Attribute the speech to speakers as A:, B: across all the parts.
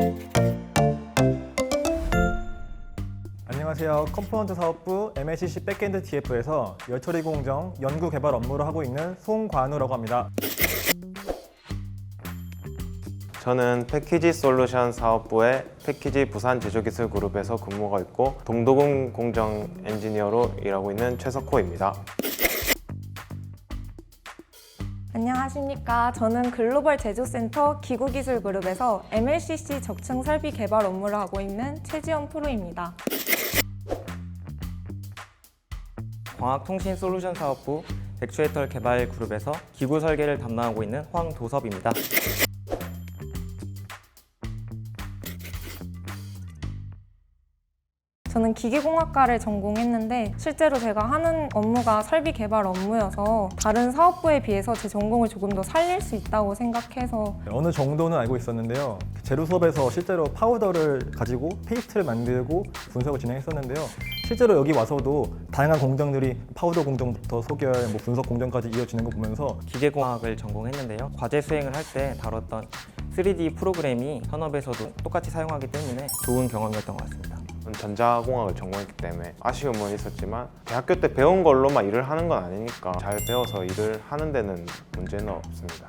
A: 안녕하세요. 컴포넌트 사업부 MLCC 백엔드 TF에서 열처리 공정 연구 개발 업무를 하고 있는 송관우라고 합니다.
B: 저는 패키지 솔루션 사업부의 패키지 부산 제조기술 그룹에서 근무하고 있고 동도금 공정 엔지니어로 일하고 있는 최석호입니다.
C: 안녕하십니까. 저는 글로벌 제조센터 기구기술그룹에서 MLCC 적층 설비 개발 업무를 하고 있는 최지연 프로입니다.
D: 광학통신 솔루션 사업부 액추에이터 개발 그룹에서 기구 설계를 담당하고 있는 황도섭입니다.
C: 저는 기계공학과를 전공했는데 실제로 제가 하는 업무가 설비 개발 업무여서 다른 사업부에 비해서 제 전공을 조금 더 살릴 수 있다고 생각해서
A: 어느 정도는 알고 있었는데요. 제로 수업에서 실제로 파우더를 가지고 페이스트를 만들고 분석을 진행했었는데요. 실제로 여기 와서도 다양한 공정들이 파우더 공정부터 소결, 분석 공정까지 이어지는 거 보면서
D: 기계공학을 전공했는데요. 과제 수행을 할 때 다뤘던 3D 프로그램이 현업에서도 똑같이 사용하기 때문에 좋은 경험이었던 것 같습니다.
B: 전자공학을 전공했기 때문에 아쉬움은 있었지만 대학교 때 배운 걸로만 일을 하는 건 아니니까 잘 배워서 일을 하는 데는 문제는 없습니다.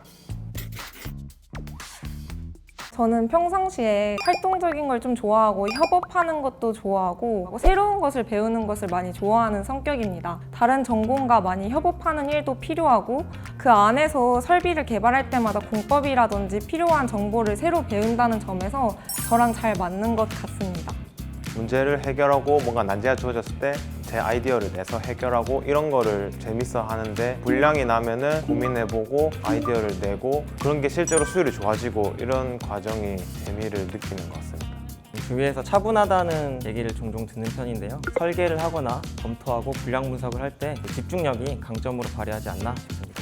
C: 저는 평상시에 활동적인 걸 좀 좋아하고 협업하는 것도 좋아하고 새로운 것을 배우는 것을 많이 좋아하는 성격입니다. 다른 전공과 많이 협업하는 일도 필요하고 그 안에서 설비를 개발할 때마다 공법이라든지 필요한 정보를 새로 배운다는 점에서 저랑 잘 맞는 것 같습니다.
B: 문제를 해결하고 뭔가 난제가 주어졌을 때 제 아이디어를 내서 해결하고 이런 거를 재밌어 하는데 불량이 나면은 고민해보고 아이디어를 내고 그런 게 실제로 수율이 좋아지고 이런 과정이 재미를 느끼는 것 같습니다.
D: 주위에서 차분하다는 얘기를 종종 듣는 편인데요. 설계를 하거나 검토하고 불량 분석을 할 때 집중력이 강점으로 발휘하지 않나 싶습니다.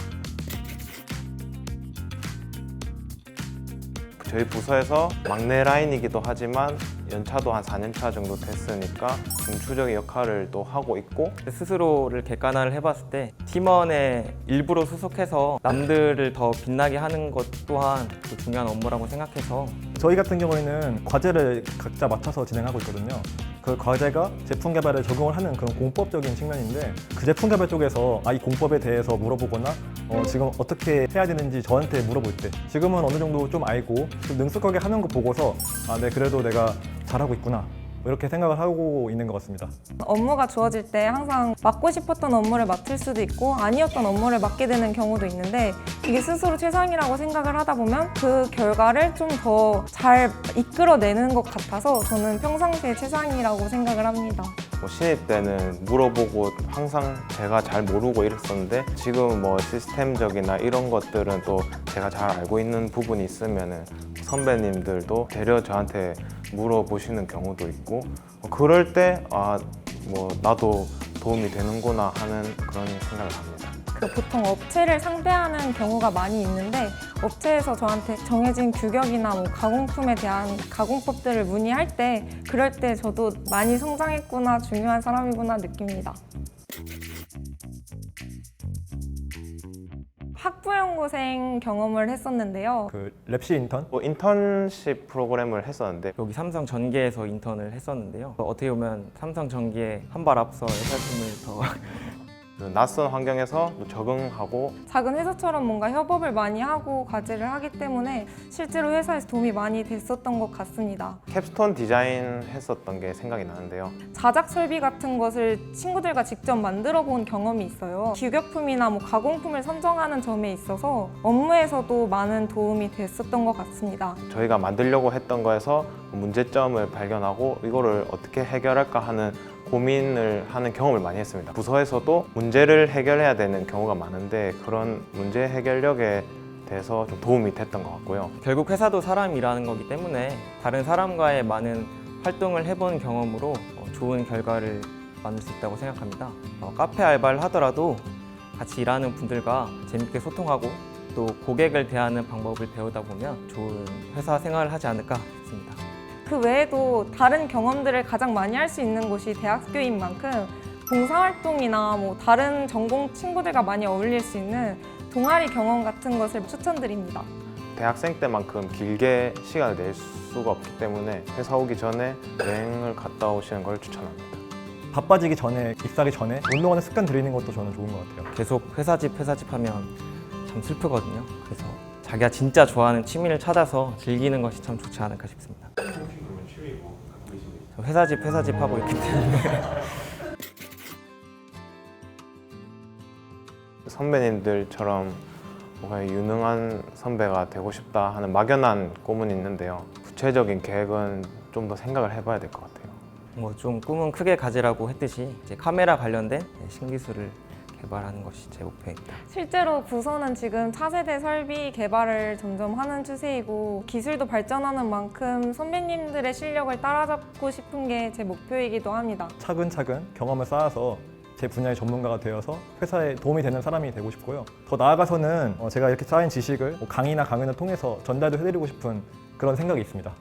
B: 저희 부서에서 막내 라인이기도 하지만 연차도 한 4년차 정도 됐으니까 중추적인 역할을 또 하고 있고
D: 스스로를 객관화를 해봤을 때 팀원의 일부로 수속해서 남들을 더 빛나게 하는 것 또한 또 중요한 업무라고 생각해서
A: 저희 같은 경우에는 과제를 각자 맡아서 진행하고 있거든요. 그 과제가 제품 개발에 적용을 하는 그런 공법적인 측면인데 그 제품 개발 쪽에서 이 공법에 대해서 물어보거나 지금 어떻게 해야 되는지 저한테 물어볼 때 지금은 어느 정도 좀 알고 좀 능숙하게 하는 거 보고서 네, 그래도 내가 잘하고 있구나 이렇게 생각을 하고 있는 것 같습니다.
C: 업무가 주어질 때 항상 맡고 싶었던 업무를 맡을 수도 있고 아니었던 업무를 맡게 되는 경우도 있는데 이게 스스로 최상이라고 생각을 하다 보면 그 결과를 좀 더 잘 이끌어내는 것 같아서 저는 평상시에 최상이라고 생각을 합니다.
B: 신입 때는 물어보고 항상 제가 잘 모르고 이랬었는데 지금 시스템적이나 이런 것들은 또 제가 잘 알고 있는 부분이 있으면은 선배님들도 되려 저한테 물어보시는 경우도 있고 그럴 때 나도 도움이 되는구나 하는 그런 생각을 합니다.
C: 보통 업체를 상대하는 경우가 많이 있는데 업체에서 저한테 정해진 규격이나 가공품에 대한 가공법들을 문의할 때 그럴 때 저도 많이 성장했구나, 중요한 사람이구나 느낍니다. 학부연구생 경험을 했었는데요.
A: 그 랩시 인턴?
B: 인턴십 프로그램을 했었는데
D: 여기 삼성전기에서 인턴을 했었는데요. 어떻게 보면 삼성전기에 한 발 앞서 회사팀을 더
B: 그 낯선 환경에서 적응하고
C: 작은 회사처럼 뭔가 협업을 많이 하고 과제를 하기 때문에 실제로 회사에서 도움이 많이 됐었던 것 같습니다.
B: 캡스톤 디자인 했었던 게 생각이 나는데요.
C: 자작 설비 같은 것을 친구들과 직접 만들어 본 경험이 있어요. 규격품이나 가공품을 선정하는 점에 있어서 업무에서도 많은 도움이 됐었던 것 같습니다.
B: 저희가 만들려고 했던 거에서 문제점을 발견하고 이거를 어떻게 해결할까 하는 고민을 하는 경험을 많이 했습니다. 부서에서도 문제를 해결해야 되는 경우가 많은데 그런 문제 해결력에 대해서 좀 도움이 됐던 것 같고요.
D: 결국 회사도 사람이라는 거기 때문에 다른 사람과의 많은 활동을 해본 경험으로 좋은 결과를 만들 수 있다고 생각합니다. 카페 알바를 하더라도 같이 일하는 분들과 재밌게 소통하고 또 고객을 대하는 방법을 배우다 보면 좋은 회사 생활을 하지 않을까 싶습니다.
C: 그 외에도 다른 경험들을 가장 많이 할 수 있는 곳이 대학교인 만큼 봉사활동이나 다른 전공 친구들과 많이 어울릴 수 있는 동아리 경험 같은 것을 추천드립니다.
B: 대학생 때만큼 길게 시간을 낼 수가 없기 때문에 회사 오기 전에 여행을 갔다 오시는 걸 추천합니다.
A: 바빠지기 전에, 입사하기 전에 운동하는 습관 들이는 것도 저는 좋은 것 같아요.
D: 계속 회사 집 하면 참 슬프거든요. 그래서 자기가 진짜 좋아하는 취미를 찾아서 즐기는 것이 참 좋지 않을까 싶습니다. 저 회사 집 하고 있기 때문에
B: 선배님들처럼 뭔가 유능한 선배가 되고 싶다 하는 막연한 꿈은 있는데요. 구체적인 계획은 좀 더 생각을 해봐야 될 것 같아요.
D: 뭐 좀 꿈은 크게 가지라고 했듯이 이제 카메라 관련된 신기술을 개발하는 것이 제 목표입니다.
C: 실제로 부서는 지금 차세대 설비 개발을 점점 하는 추세이고 기술도 발전하는 만큼 선배님들의 실력을 따라잡고 싶은 게 제 목표이기도 합니다.
A: 차근차근 경험을 쌓아서 제 분야의 전문가가 되어서 회사에 도움이 되는 사람이 되고 싶고요. 더 나아가서는 제가 이렇게 쌓인 지식을 강의나 강연을 통해서 전달도 해드리고 싶은 그런 생각이 있습니다.